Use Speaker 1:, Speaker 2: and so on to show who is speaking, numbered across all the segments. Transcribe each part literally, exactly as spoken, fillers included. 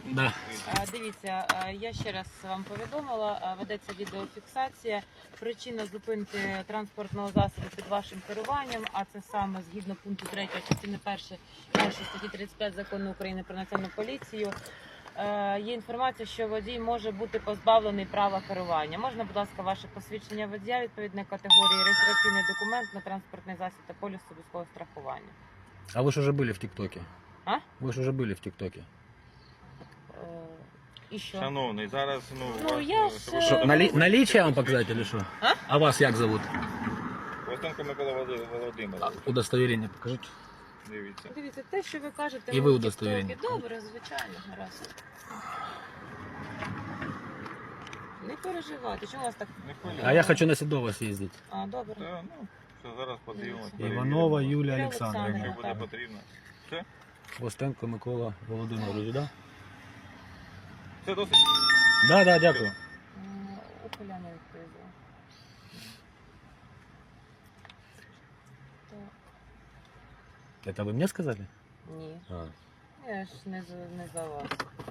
Speaker 1: Да.
Speaker 2: Дивіться, я ще раз вам повідомила, ведеться відеофіксація. Причина зупинки транспортного засобу під вашим керуванням, а це саме згідно пункту третього частини першої статті тридцять п'ять Закону України про національну поліцію. Є інформація, що водій може бути позбавлений права керування. Можна, будь ласка, ваше посвідчення водія відповідної категорії, реєстраційний документ на транспортний засіб та поліс обов'язкового страхування.
Speaker 1: А вы же уже были в ТикТоке?
Speaker 2: А?
Speaker 1: Вы же уже были в ТикТоке.
Speaker 2: І що?
Speaker 3: Шановний, зараз, ну,
Speaker 2: Ну,
Speaker 3: вас,
Speaker 2: я
Speaker 3: ну,
Speaker 2: ж,
Speaker 3: щоб-
Speaker 1: Что, нали... наличие вам показать или что?
Speaker 2: А?
Speaker 1: А вас як зовут?
Speaker 3: Костенко Микола Володимир- Володимирович.
Speaker 1: Удостоверение покажите.
Speaker 3: Дивіться.
Speaker 2: Дивіться, те, що ви кажете,
Speaker 1: І
Speaker 2: ми
Speaker 1: ви
Speaker 2: в
Speaker 1: удостоверення.
Speaker 2: TikTok. Добре, звичайно, гаразд. Не переживайте, чому у вас так?
Speaker 3: Не хвилюйтесь.
Speaker 1: А я хочу на Седово съездить.
Speaker 2: А, добре.
Speaker 3: Та, ну, що зараз подивимось.
Speaker 1: Иванова Юлия
Speaker 2: Юлія
Speaker 1: Александровна.
Speaker 2: Олександрівна.
Speaker 3: Якщо буде потрібно. Все?
Speaker 1: Костенко Микола Володимирович, да?
Speaker 3: Все досить.
Speaker 1: Да, да, дякую.
Speaker 2: М, Ухиляна відповідала. Так,
Speaker 1: Это вы мне сказали?
Speaker 2: ні.
Speaker 1: А.
Speaker 2: Я ж не за, не за вас.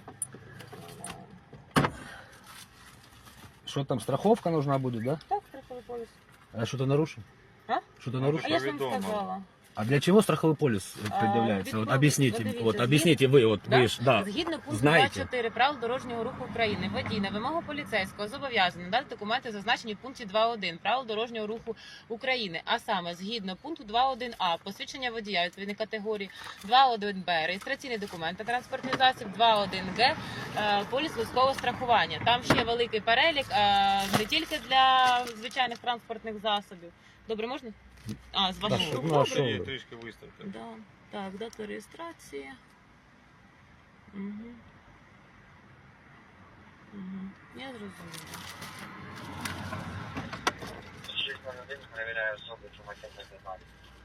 Speaker 1: Что там, страховка нужна будет, да?
Speaker 2: Так, страховий поліс.
Speaker 1: А я что-то нарушил?
Speaker 2: А?
Speaker 1: Что-то
Speaker 2: А
Speaker 1: нарушил?
Speaker 2: я ж вам
Speaker 3: Повідомо.
Speaker 2: сказала.
Speaker 1: А для чего страховой полис
Speaker 2: А,
Speaker 1: предъявляется? Вот
Speaker 2: відповідь-
Speaker 1: объясните,
Speaker 2: подивіться,
Speaker 1: вот
Speaker 2: згідно-
Speaker 1: объясните вы, вот
Speaker 2: Да?
Speaker 1: вы ж, да.
Speaker 2: Згідно пункту
Speaker 1: знаєте.
Speaker 2: двадцять чотири правил дорожнього руху України, водій на вимогу поліцейського зобов'язаний надати документи, зазначені в пункті два один правил дорожнього руху України, а саме згідно пункту два один а посвідчення водія відповідної категорії, два один б реєстраційний документ та транспортний засіб, два один г е, поліс військового страхування. Там ще великий перелік, е, не тільки для звичайних транспортних засобів. Добре, можна? А, з вашого.
Speaker 1: що- ну, а
Speaker 2: Добре.
Speaker 1: що?
Speaker 3: Трі- Трішки виставте.
Speaker 2: Да. Так, дата реєстрації. Угу. Угу. Я зрозуміла.
Speaker 4: Перевіряю особу, чи макет не знімати.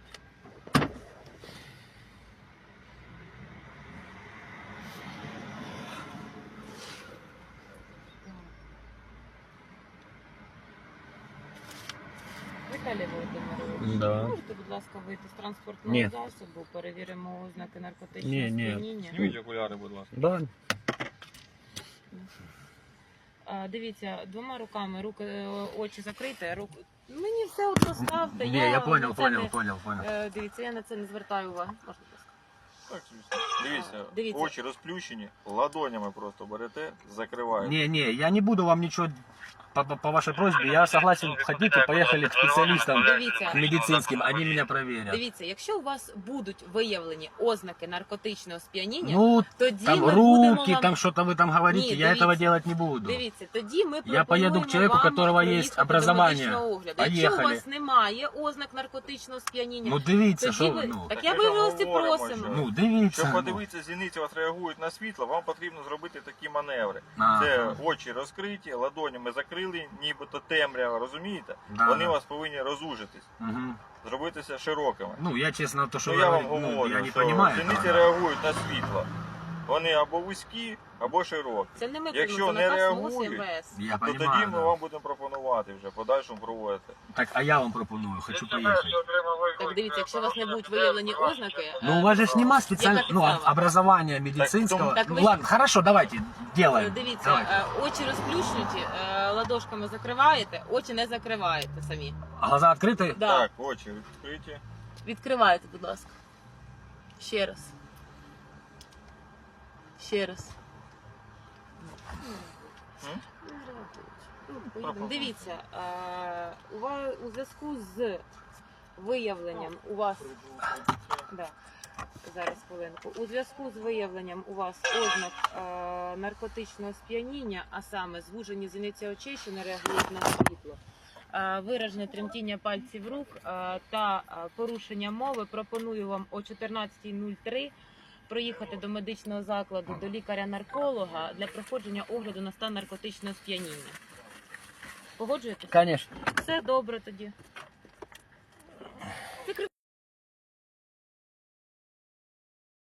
Speaker 2: Віталій Володимирович,
Speaker 1: Да.
Speaker 2: можете, будь ласка, вийти з транспортного
Speaker 1: Ні.
Speaker 2: засобу, перевіримо ознаки наркотичного
Speaker 1: Ні, ні.
Speaker 2: сп'яніння.
Speaker 3: Зніміть окуляри, будь ласка.
Speaker 1: Да.
Speaker 2: А, дивіться, двома руками, руки, е, очі закрийте, руки. Мені все от поставте.
Speaker 1: Не, я
Speaker 2: на
Speaker 1: понял,
Speaker 2: це
Speaker 1: понял,
Speaker 2: не-
Speaker 1: понял, понял.
Speaker 2: Е, Дивіться, я на це не звертаю уваги. Можна, будь ласка.
Speaker 3: Так, звісно. Дивіться,
Speaker 2: Дивіться.
Speaker 3: очі розплющені, ладонями просто берете, закриваєте.
Speaker 1: Не, не, я не буду вам ничего по, по, по вашей просьбе. Я согласен, хотите, поехали к специалистам
Speaker 2: Дивіться.
Speaker 1: к медицинским, они меня проверят.
Speaker 2: Дивіться, якщо у вас будуть виявлені ознаки наркотичного сп'яніння,
Speaker 1: Ну,
Speaker 2: тоді
Speaker 1: там
Speaker 2: ми будемо
Speaker 1: руки,
Speaker 2: вам...
Speaker 1: там что-то вы там говорите,
Speaker 2: Не,
Speaker 1: я
Speaker 2: дивіться.
Speaker 1: этого делать не буду.
Speaker 2: Дивіться, тоді ми
Speaker 1: Я поеду к человеку, у
Speaker 2: вам
Speaker 1: которого есть
Speaker 2: проїхати до
Speaker 1: образование.
Speaker 2: медичного огляду. Якщо у
Speaker 1: Поехали.
Speaker 2: вас немає ознак наркотичного сп'яніння,
Speaker 1: Ну дивіться,
Speaker 2: тоді
Speaker 1: що
Speaker 2: ви...
Speaker 1: ну.
Speaker 2: Так я
Speaker 3: Так ми ж
Speaker 2: вивелості
Speaker 3: говоримо,
Speaker 2: просимо.
Speaker 3: що-
Speaker 1: Ну, дивіться.
Speaker 3: Щоб
Speaker 1: ну.
Speaker 3: подивитися, зіниці у вас реагують на світло, вам потрібно зробити такі маневри.
Speaker 1: Ага.
Speaker 3: Це очі розкриті, ладонями закрили, нібито темрява, розумієте?
Speaker 1: Да,
Speaker 3: Вони
Speaker 1: да.
Speaker 3: у вас повинні розужитись,
Speaker 1: Мгм.
Speaker 3: зробитися широкими.
Speaker 1: Ну, я честно, то, что
Speaker 3: Ну
Speaker 1: вы
Speaker 3: я вам
Speaker 1: говорите, ну,
Speaker 3: говорю,
Speaker 1: я не
Speaker 3: що
Speaker 1: понимаю.
Speaker 3: зіниці
Speaker 1: этого.
Speaker 3: реагують на світло. Вони або вузькі, або широкі.
Speaker 2: Це не ми
Speaker 3: Якщо
Speaker 2: приймемо,
Speaker 3: не
Speaker 2: це наказ МОЗ і
Speaker 3: реагують,
Speaker 2: МВС.
Speaker 1: Я
Speaker 3: То тоді
Speaker 1: понимаю,
Speaker 3: ми
Speaker 1: да.
Speaker 3: вам будемо пропонувати вже, подальшому проводити.
Speaker 1: Так, а я вам пропоную, хочу поехать.
Speaker 2: Так дивіться, якщо у вас не будуть виявлені ознаки,
Speaker 1: Ну, у вас же ж нема специального,
Speaker 2: Яка
Speaker 1: ну,
Speaker 2: підстава?
Speaker 1: образования медицинского.
Speaker 2: Так
Speaker 1: Ну,
Speaker 2: ви-
Speaker 1: ладно, хорошо, давайте,
Speaker 2: е,
Speaker 1: делаем.
Speaker 2: дивіться,
Speaker 1: Давайте.
Speaker 2: е, очі розплющуті, е, ладошками закриваєте, очі не закриваєте самі.
Speaker 1: А глаза открыты?
Speaker 2: Да.
Speaker 3: Так, очі відкриті.
Speaker 2: Відкривайте, будь ласка. Ще раз. Ще раз.
Speaker 3: М?
Speaker 2: Ну, поїдемо. Дивіться, е, у ва- у зв'язку з виявленням у вас. Да. Зараз хвилинку. У зв'язку з виявленням у вас ознак е, наркотичного сп'яніння, а саме звужені зіниці очей, що не реагують на світло, е, виражене тремтіння пальців рук е, та е, порушення мови, пропоную вам о чотирнадцятій нуль три проїхати до медичного закладу, до лікаря-нарколога для проходження огляду на стан наркотичного сп'яніння. Погоджуєтесь?
Speaker 1: Конечно.
Speaker 2: Все добре тоді.